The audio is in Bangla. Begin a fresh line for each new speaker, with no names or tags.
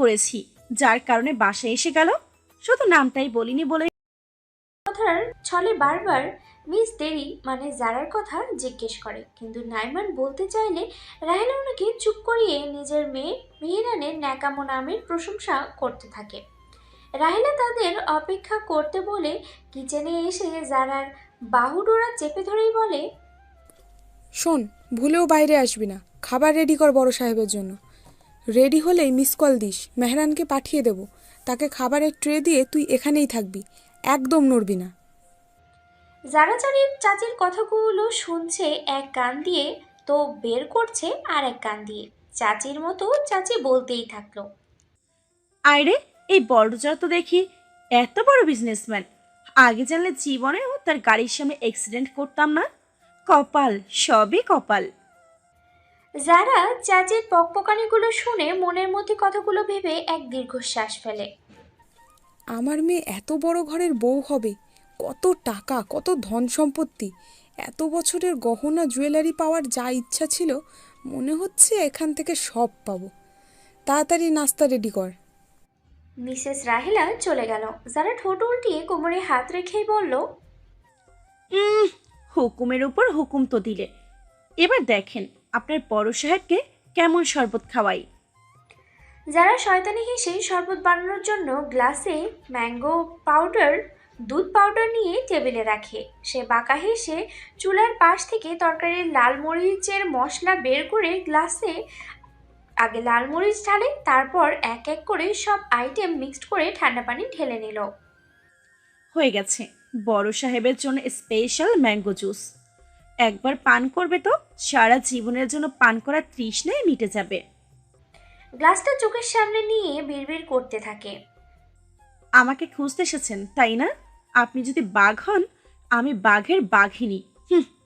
করেছি, যার কারণে বাসায় এসে গেল। শুধু নামটাই বলিনি বলে।
কথার ছলে বারবার মিস দেরি মানে জারার কথা জিজ্ঞেস করে, কিন্তু নাইমান বলতে চাইলে রাহেলা ওনাকে চুপ করিয়ে নিজের মেয়ে মেহেরানের ন্যাকামো নামের প্রশংসা করতে থাকে। রাহেলা তাদের অপেক্ষা করতে বলে কিচেনে এসে জারার বাহুডোরা চেপে ধরেই বলে,
শোন, ভুলেও বাইরে আসবি না, খাবার রেডি কর বড় সাহেবের জন্য। রেডি হলেই মিস কল দিস, মেহরানকে পাঠিয়ে দেব। তাকে খাবারের ট্রে দিয়ে তুই এখানেই থাকবি, একদম নড়বি না।
যারা চাচির কথাগুলো শুনছে এক কান দিয়ে, তো বের করছে আর এক কান দিয়ে। চাচির মতো চাচি বলতেই থাকলো,
আরে, এই বড়জা তো দেখি এত বড় বিজনেসম্যান। আগে জানলে জীবনেও তার গাড়ির সামনে অ্যাক্সিডেন্ট করতাম না। কপাল, সবই কপাল।
যারা চাচির পকপকানিগুলো শুনে মনের মধ্যে কথাগুলো ভেবে এক দীর্ঘশ্বাস ফেলে।
আমার মেয়ে এত বড় ঘরের বউ হবে, কত টাকা, কত ধন সম্পত্তি, এত বছরের গহনা জুয়েলারি পাওয়ার যা ইচ্ছা ছিল, মনে হচ্ছে এখান থেকে সব পাবো। তাড়াতাড়ি নাস্তা রেডি কর।
মিসেস রাহেলা চলে গেল। যারা ঠোঁট উল্টিয়ে কোমরে হাত রেখেই বলল,
উম হুকুমের উপর হুকুম তো দিলে। এবার দেখেন আপনার বড় সাহেবকে কেমন শরবত খাওয়াই।
যারা শয়তানি হেসে শরবত বানানোর জন্য গ্লাসে ম্যাঙ্গো পাউডার দুধ পাউডার নিয়ে টেবিলে রাখে। সে বাঁকা হেসে চুলার পাশ থেকে তরকারির লাল মরিচের মশলা বের করে গ্লাসে আগে লাল মরিচ ঢালে, তারপর এক এক করে সব আইটেম মিক্সড করে ঠান্ডা পানি ঢেলে নিল।
হয়ে গেছে বড় সাহেবের জন্য স্পেশাল ম্যাঙ্গো জুস। একবার পান করবে তো সারা জীবনের জন্য পান করার তৃষ্ণায় মিটে যাবে।
গ্লাসটা চোখের সামনে নিয়ে বিড়বিড় করতে থাকে,
আমাকে খুঁজতে এসেছেন তাই না? আপনি যদি বাঘ হন, আমি বাঘের বাঘিনী। হুম।